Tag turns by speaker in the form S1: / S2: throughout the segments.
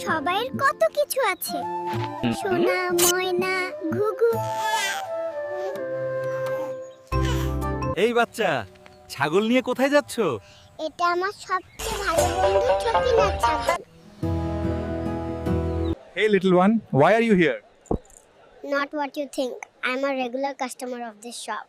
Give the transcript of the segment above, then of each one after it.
S1: সবাইয়ের কত কিছু আছে, সোনা ময়না ঘুঘু।
S2: এই বাচ্চা, ছাগল নিয়ে কোথায় যাচ্ছ?
S1: এটা আমার সবচেয়ে ভালো বন্ধু ছোটিনার ছাগল।
S3: Hey little one, why are you here?
S1: Not what you think. I'm a regular customer of this shop.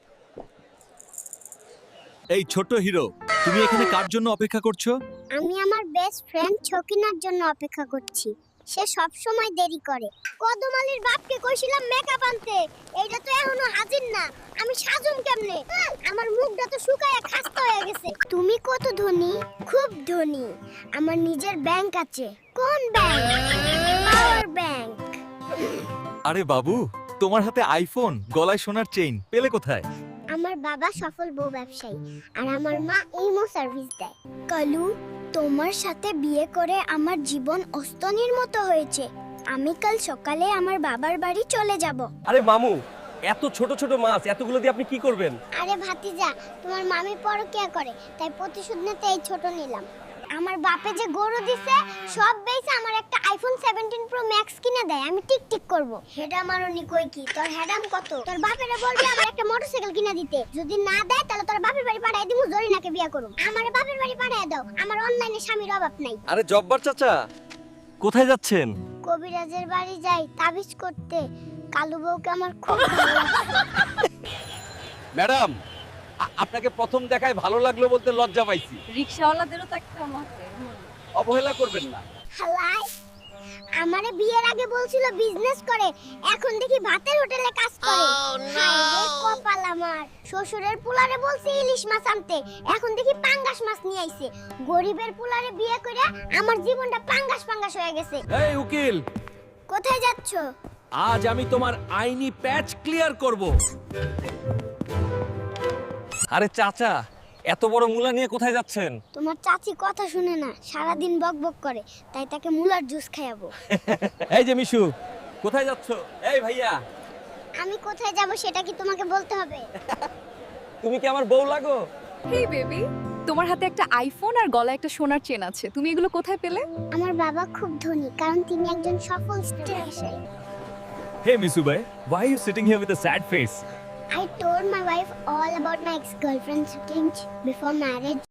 S2: এই ছোট হিরো, তুমি এখানে কার জন্য অপেক্ষা করছো?
S1: আমি আমার বেস্ট ফ্রেন্ড ছকিনার জন্য অপেক্ষা করছি। সে সব সময় দেরি করে। কদমালির বাপকে কইছিলাম মেকআপ আনতে, এইটা তো এখনো হাজির না। আমি সাজুম কেমনে? আমার মুখটা তো শুকায়া খাস্তা হয়ে গেছে। তুমি কত ধনী? খুব ধনী। আমার নিজের ব্যাংক আছে। কোন ব্যাংক? Power bank.
S2: আরে বাবু, তোমার হাতে আইফোন, গলায় সোনার চেইন পেলে কোথায়?
S1: আমার বাবা সফল বউ ব্যবসায়ী আর আমার মা ইমো সার্ভিস দেয়। কালু, তোমার সাথে বিয়ে করে আমার জীবন অস্তনির মতো হয়েছে। আমি কাল সকালে আমার বাবার বাড়ি চলে যাব।
S4: আরে মামু, এত ছোট ছোট মাছ এতগুলো দিয়ে আপনি কি করবেন?
S1: আরে ভাতিজা, তোমার মামি পরকিয়া করে, তাই প্রতিশোধ নিতে এই ছোট নিলাম। আমার বাপে যে গরু দিছে সব বেচে আমার একটা আইফোন 17 প্রো ম্যাক্স কিনে দেয়। আমি টিকটিক করব। হেডা মারনি কই কি? তোর হেডাম কত? তোর বাপেরে বলবি আমার একটা মোটরসাইকেল কিনে দিতে। যদি না দেয় তাহলে তোর বাপের বাড়ি পাঠায় দিমু, জরিনাকে বিয়ে করব। আমার বাপের বাড়ি পাঠায় দাও, আমার অনলাইনে স্বামীর অভাব নাই।
S2: আরে জব্বার চাচা, কোথায় যাচ্ছেন?
S1: কবিরাজের বাড়ি যাই তাবিজ করতে। কালু বউকে আমার খুব ভালো লাগে।
S4: ম্যাডাম, আপনাকে প্রথম দেখায় ভালো লাগলো বলতে লজ্জা পাইছি।
S5: রিকশাওয়ালাদেরও তো একটা আছে।
S4: অবহেলা করবেন না।
S1: হালাই আমারে বিয়ের আগে বলছিল বিজনেস করে, এখন দেখি ভাতের হোটেলে কাজ করে। হায় রে কপাল আমার। শ্বশুরের পুলারে বলছে ইলিশ মাছ আনতে, এখন দেখি পাঙ্গাস মাছ নিয়ে আইছে। গরিবের পুলারে বিয়ে করে আমার জীবনটা পাঙ্গাস পাঙ্গাস হয়ে গেছে।
S4: এই উকিল,
S1: কোথায় যাচ্ছ?
S4: আজ আমি তোমার আইনি প্যাচ ক্লিয়ার করব। আরে চাচা, এত বড় মুলা নিয়ে কোথায় যাচ্ছেন?
S1: তোমার চাচি কথা শুনে না, সারাদিন বকবক করে, তাই তাকে মুলার জুস খাওয়াবো।
S4: এই যে মিশু, কোথায় যাচ্ছ? এই ভাইয়া,
S1: আমি কোথায় যাব সেটা কি তোমাকে বলতে হবে?
S4: তুমি কি আমার বউ লাগো?
S5: হেই বেবি, তোমার হাতে একটা আইফোন আর গলায় একটা সোনার চেন আছে। তুমি এগুলো কোথায় পেলে?
S1: আমার বাবা খুব ধনী, কারণ তিনি একজন সফল ব্যবসায়ী।
S4: Hey Misu bhai, why are you sitting here with a sad face?
S1: I told my wife all about my ex-girlfriend's change before marriage.